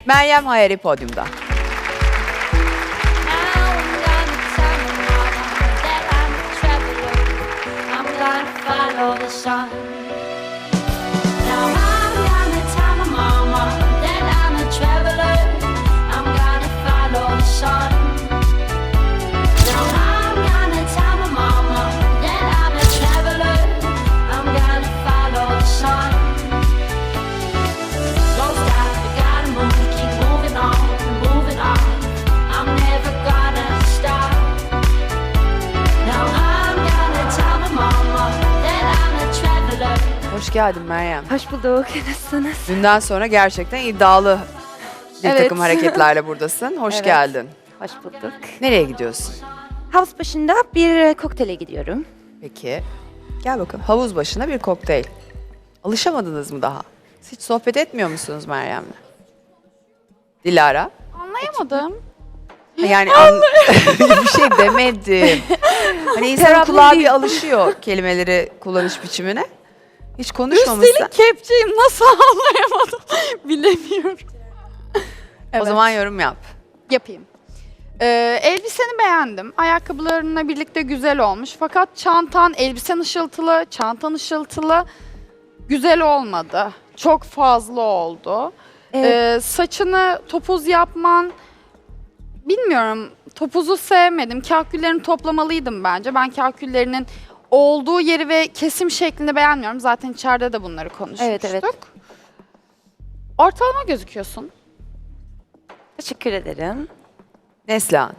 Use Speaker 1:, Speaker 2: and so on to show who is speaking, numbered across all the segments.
Speaker 1: Meryem Hayari podyumda. Hoş geldin Meryem.
Speaker 2: Hoş bulduk. Nasılsınız?
Speaker 1: Dünden sonra gerçekten iddialı bir
Speaker 2: Evet.
Speaker 1: takım hareketlerle buradasın. Hoş
Speaker 2: Evet.
Speaker 1: geldin.
Speaker 2: Hoş bulduk.
Speaker 1: Nereye gidiyorsun?
Speaker 2: Havuz başında bir kokteyle gidiyorum.
Speaker 1: Peki. Gel bakalım. Havuz başına bir kokteyl. Alışamadınız mı daha? Siz hiç sohbet etmiyor musunuz Meryem'le? Dilara?
Speaker 3: Anlayamadım.
Speaker 1: Yani bir şey demedim. Hani insanın
Speaker 2: Terapim
Speaker 1: kulağı
Speaker 2: değil.
Speaker 1: bir alışıyor kelimeleri kullanış biçimine. Hiç konuşmamışsın.
Speaker 3: Üstelik kepçeyim, nasıl anlayamadım bilemiyorum.
Speaker 1: O zaman yorum yap.
Speaker 3: Yapayım. Elbiseni beğendim. Ayakkabılarınla birlikte güzel olmuş. Fakat çantan, elbisen ışıltılı, çantan ışıltılı. Güzel olmadı. Çok fazla oldu.
Speaker 2: Evet.
Speaker 3: Saçını topuz yapman, bilmiyorum. Topuzu sevmedim. Kahküllerini toplamalıydım bence. Ben kahküllerinin olduğu yeri ve kesim şeklini beğenmiyorum. Zaten içeride de bunları konuşmuştuk.
Speaker 2: Evet, evet.
Speaker 3: Ortalama gözüküyorsun.
Speaker 2: Teşekkür ederim.
Speaker 1: Neslihan.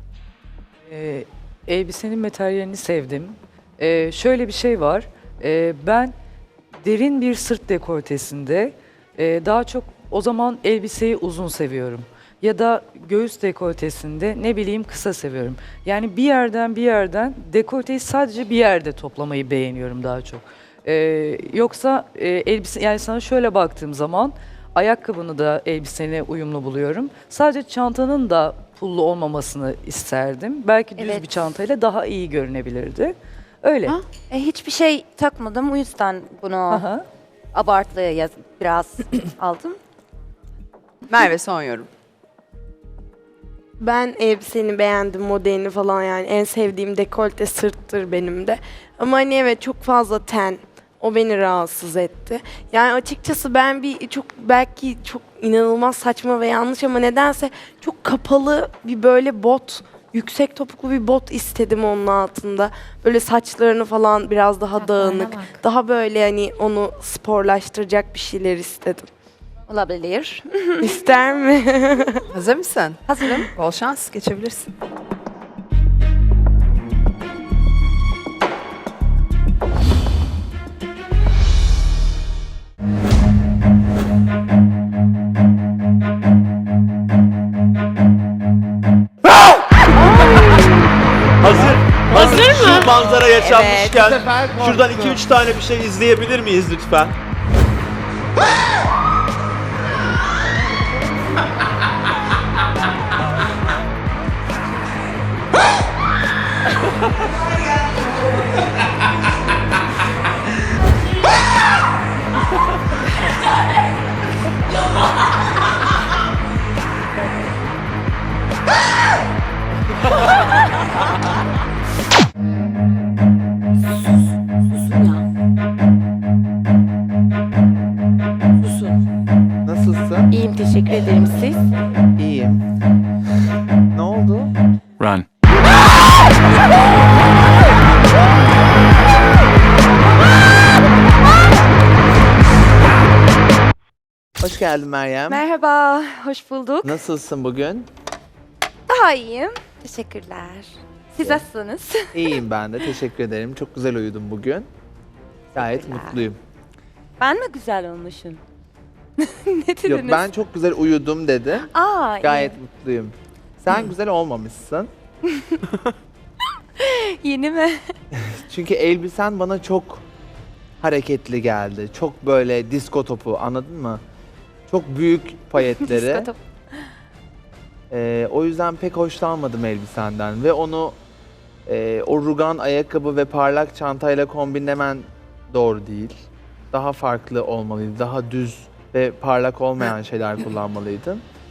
Speaker 4: Elbisenin materyalini sevdim. Şöyle bir şey var. Ben derin bir sırt dekoltesinde daha çok o zaman elbiseyi uzun seviyorum. Ya da göğüs dekoltesinde ne bileyim kısa seviyorum. Yani bir yerden dekolteyi sadece bir yerde toplamayı beğeniyorum daha çok. Yoksa elbise, yani sana şöyle baktığım zaman ayakkabını da elbisene uyumlu buluyorum. Sadece çantanın da pullu olmamasını isterdim. Belki düz
Speaker 2: Evet.
Speaker 4: bir çantayla daha iyi görünebilirdi. Öyle.
Speaker 3: Ha?
Speaker 2: Hiçbir şey takmadım. O yüzden bunu
Speaker 4: Aha.
Speaker 2: abartılı biraz aldım.
Speaker 1: Merve son yorum.
Speaker 5: Ben elbiseni beğendim, modelini falan yani. En sevdiğim dekolte sırttır benim de. Ama hani evet çok fazla ten. O beni rahatsız etti. Yani açıkçası ben belki çok inanılmaz saçma ve yanlış ama nedense çok kapalı bir böyle bot, yüksek topuklu bir bot istedim onun altında. Böyle saçlarını falan biraz daha dağınık. Daha böyle hani onu sporlaştıracak bir şeyler istedim.
Speaker 2: Olabilir.
Speaker 5: İster mi?
Speaker 1: Hazır mısın?
Speaker 2: Hazırım.
Speaker 1: Bol şans. Geçebilirsin.
Speaker 6: Hazır. Hazır mı? Şu manzara yaşanmışken
Speaker 1: Evet, bu sefer
Speaker 6: şuradan
Speaker 1: korktum.
Speaker 6: 2-3 tane bir şey izleyebilir miyiz lütfen?
Speaker 7: Nasılsın?
Speaker 5: İyiyim, teşekkür ederim. Siz?
Speaker 7: İyiyim. Ne oldu?
Speaker 8: Run.
Speaker 7: Hoş geldin Meryem.
Speaker 2: Merhaba. Hoş bulduk.
Speaker 7: Nasılsın bugün?
Speaker 2: Daha iyiyim. Teşekkürler. Siz nasılsınız?
Speaker 7: İyiyim ben de. Teşekkür ederim. Çok güzel uyudum bugün. Gayet
Speaker 2: Teşekkürler.
Speaker 7: mutluyum.
Speaker 2: Ben mi güzel olmuşum? Ne dediniz?
Speaker 7: Yok ben çok güzel uyudum dedi.
Speaker 2: Aa,
Speaker 7: Gayet mutluyum. Sen güzel olmamışsın.
Speaker 2: yeni mi?
Speaker 7: Çünkü elbisen bana çok hareketli geldi. Çok böyle disko topu, anladın mı? Çok büyük payetleri.
Speaker 2: Disko top.
Speaker 7: O yüzden pek hoşlanmadım elbisenden ve onu o rugan ayakkabı ve parlak çantayla kombinlemen doğru değil. Daha farklı olmalıydı. Daha düz ve parlak olmayan şeyler kullanmalıydın.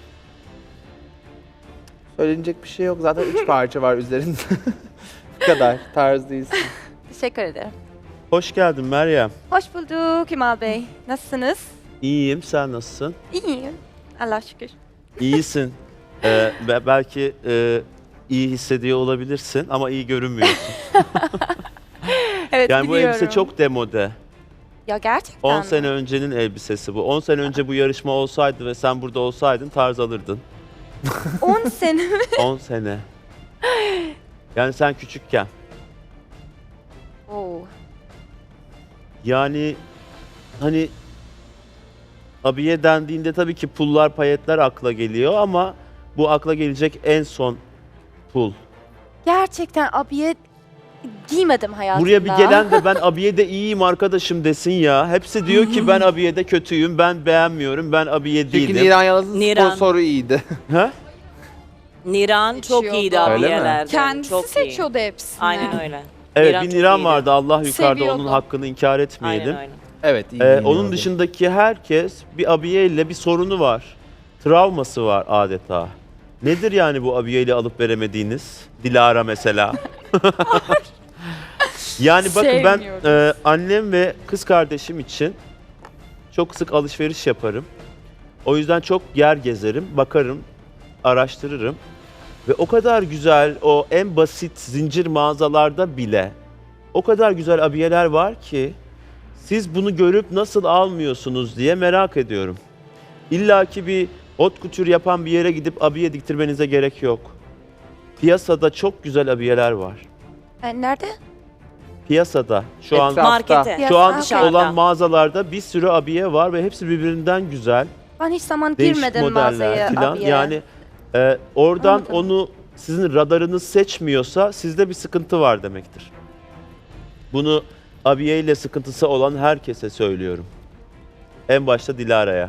Speaker 7: Söylenecek bir şey yok. Zaten 3 parça var üzerinde. Bu kadar. Tarz değilsin.
Speaker 8: Teşekkür ederim.
Speaker 6: Hoş geldin Meryem.
Speaker 8: Hoş bulduk Kemal Bey. Nasılsınız?
Speaker 6: İyiyim, sen nasılsın?
Speaker 8: İyiyim. Allah şükür.
Speaker 6: İyisin. Belki iyi hissediyor olabilirsin ama iyi görünmüyorsun.
Speaker 8: Evet
Speaker 6: Yani bu
Speaker 8: biliyorum.
Speaker 6: elbise çok demode.
Speaker 8: Ya gerçekten
Speaker 6: 10
Speaker 8: mi?
Speaker 6: sene öncenin elbisesi bu. 10 sene önce bu yarışma olsaydı ve sen burada olsaydın tarz alırdın.
Speaker 8: 10 sene mi?
Speaker 6: 10 sene. Yani sen küçükken.
Speaker 8: Oo.
Speaker 6: Yani hani abiye dendiğinde tabii ki pullar, payetler akla geliyor ama bu akla gelecek en son pul.
Speaker 8: Gerçekten abiye giymedim hayatımda.
Speaker 6: Buraya bir gelen de ben abiyede iyiyim arkadaşım desin ya. Hepsi diyor ki ben abiyede kötüyüm, ben beğenmiyorum, ben abiye
Speaker 7: Çünkü
Speaker 6: değilim.
Speaker 7: Niran Yalaz'ın
Speaker 9: Niran.
Speaker 7: sponsoru iyiydi.
Speaker 6: Ha?
Speaker 9: Niran çok
Speaker 3: Seçiyordu.
Speaker 9: iyiydi
Speaker 7: Öyle mi?
Speaker 9: abiyelerden.
Speaker 3: Kendisi
Speaker 9: çok iyi.
Speaker 3: seçiyordu hepsini.
Speaker 9: Aynen öyle.
Speaker 6: Evet
Speaker 9: Niran
Speaker 6: bir
Speaker 9: çok
Speaker 6: Niran
Speaker 9: iyiydi.
Speaker 6: vardı Allah yukarıda
Speaker 3: Seviyordu.
Speaker 6: onun hakkını inkar etmeyelim.
Speaker 9: Aynen öyle.
Speaker 7: Evet iyi.
Speaker 6: Onun
Speaker 7: giyiniyordu.
Speaker 6: dışındaki herkes bir abiyeyle bir sorunu var. Travması var adeta. Nedir yani bu abiyeyle alıp veremediğiniz? Dilara mesela. Yani bakın ben
Speaker 3: Sevmiyoruz.
Speaker 6: annem ve kız kardeşim için çok sık alışveriş yaparım. O yüzden çok yer gezerim, bakarım, araştırırım. Ve o kadar güzel o en basit zincir mağazalarda bile o kadar güzel abiyeler var ki siz bunu görüp nasıl almıyorsunuz diye merak ediyorum. İlla ki bir haute couture yapan bir yere gidip abiye diktirmenize gerek yok. Piyasada çok güzel abiyeler var.
Speaker 8: Nerede?
Speaker 6: Piyasada şu an
Speaker 7: Etrafta.
Speaker 9: Markete.
Speaker 6: şu an
Speaker 8: Dışarıda.
Speaker 6: olan mağazalarda bir sürü abiye var ve hepsi birbirinden güzel.
Speaker 8: Ben hiç zaman
Speaker 6: Değişik
Speaker 8: girmedim
Speaker 6: modeller
Speaker 8: mağazaya
Speaker 6: filan.
Speaker 8: abiye.
Speaker 6: Yani oradan
Speaker 8: Anladım.
Speaker 6: onu sizin radarınız seçmiyorsa sizde bir sıkıntı var demektir. Bunu abiye ile sıkıntısı olan herkese söylüyorum. En başta Dilara'ya.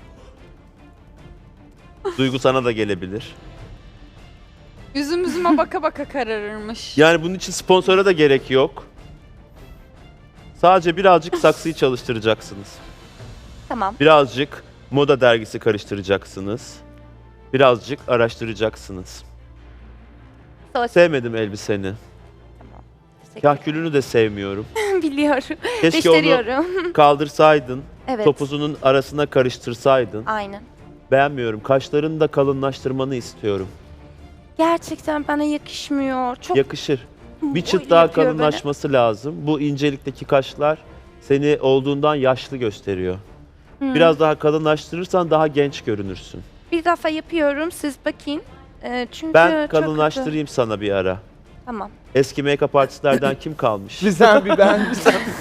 Speaker 6: Duygu sana da gelebilir.
Speaker 3: Üzüm üzüme baka baka kararırmış.
Speaker 6: Yani bunun için sponsora da gerek yok. Sadece birazcık saksıyı çalıştıracaksınız.
Speaker 8: Tamam.
Speaker 6: Birazcık moda dergisi karıştıracaksınız. Birazcık araştıracaksınız.
Speaker 8: Söz.
Speaker 6: Sevmedim elbiseni.
Speaker 8: Teşekkür
Speaker 6: Kahkülünü de sevmiyorum.
Speaker 8: ederim. Biliyorum.
Speaker 6: Keşke onu
Speaker 8: Gösteriyorum.
Speaker 6: kaldırsaydın,
Speaker 8: Evet.
Speaker 6: topuzunun arasına karıştırsaydın.
Speaker 8: Aynen.
Speaker 6: Beğenmiyorum. Kaşlarını da kalınlaştırmanı istiyorum.
Speaker 8: Gerçekten bana yakışmıyor. Çok
Speaker 6: Yakışır. Bir çıt
Speaker 8: öyle
Speaker 6: daha
Speaker 8: yapıyor böyle.
Speaker 6: kalınlaşması lazım. Bu incelikteki kaşlar seni olduğundan yaşlı gösteriyor. Biraz daha kalınlaştırırsan daha genç görünürsün.
Speaker 8: Bir defa yapıyorum. Siz bakın. Çünkü
Speaker 6: Ben
Speaker 8: çok
Speaker 6: kalınlaştırayım sana bir ara.
Speaker 8: kötü. Tamam.
Speaker 6: Eski make-up artistlerden kim kalmış?
Speaker 7: Bir sen bir ben.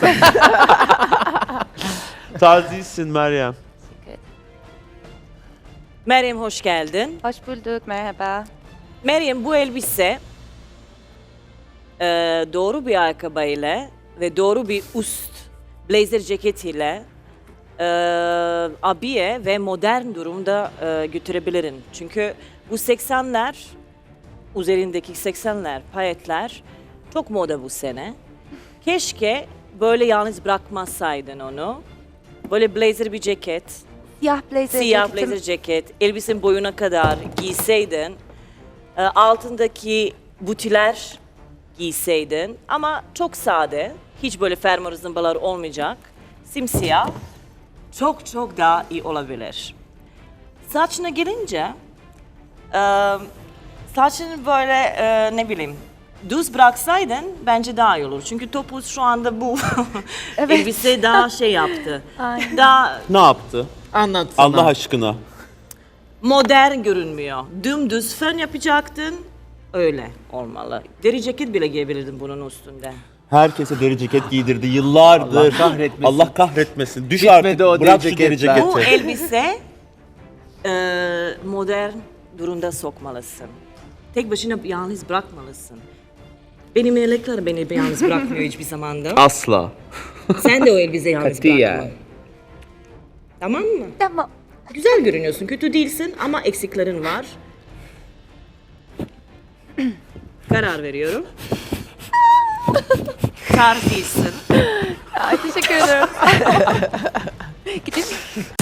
Speaker 6: Tarz değilsin Meryem.
Speaker 9: Meryem hoş geldin.
Speaker 8: Hoş bulduk. Merhaba.
Speaker 9: Meryem bu elbise doğru bir ayakkabıyla ve doğru bir üst blazer ceketiyle abiye ve modern durumda götürebilirim. Çünkü bu 80'ler üzerindeki 80'ler payetler çok moda bu sene. Keşke böyle bırakmasaydın onu. Böyle blazer bir ceket,
Speaker 8: Siyah blazer
Speaker 9: siyah
Speaker 8: ceketim.
Speaker 9: blazer ceket, elbisenin boyuna kadar giyseydin, altındaki butiler giyseydin ama çok sade, hiç böyle fermuar zımbalar olmayacak, simsiyah, çok çok daha iyi olabilir. Saçına gelince, saçını böyle ne bileyim, düz bıraksaydın bence daha iyi olur. Çünkü topuz şu anda bu elbise daha şey yaptı.
Speaker 8: Aynen.
Speaker 9: Daha
Speaker 6: Ne yaptı?
Speaker 7: Anlatsana.
Speaker 6: Allah aşkına.
Speaker 9: modern görünmüyor. Dümdüz fön yapacaktın. Öyle olmalı. Deri ceket bile giyebilirdin bunun üstünde.
Speaker 6: Herkese deri ceket giydirdi yıllardır.
Speaker 7: Allah kahretmesin.
Speaker 6: Allah kahretmesin. Düş
Speaker 7: Bitmedi
Speaker 6: artık.
Speaker 7: o
Speaker 6: Bırak
Speaker 7: deri
Speaker 6: şu deri
Speaker 7: ceketler.
Speaker 9: Bu
Speaker 6: ceketi.
Speaker 9: elbise modern durumda sokmalısın. Tek başına yalnız bırakmalısın. Benim melekler beni yalnız bırakmıyor hiçbir zamanda.
Speaker 6: Asla.
Speaker 9: Sen de o elbiseyi yalnız
Speaker 7: Katiyen.
Speaker 9: bırakma. Tamam mı?
Speaker 8: Tamam.
Speaker 9: Güzel görünüyorsun, kötü değilsin ama eksiklerin var. Karar veriyorum. Tarz değilsin.
Speaker 8: Ay, teşekkür ederim. Gidip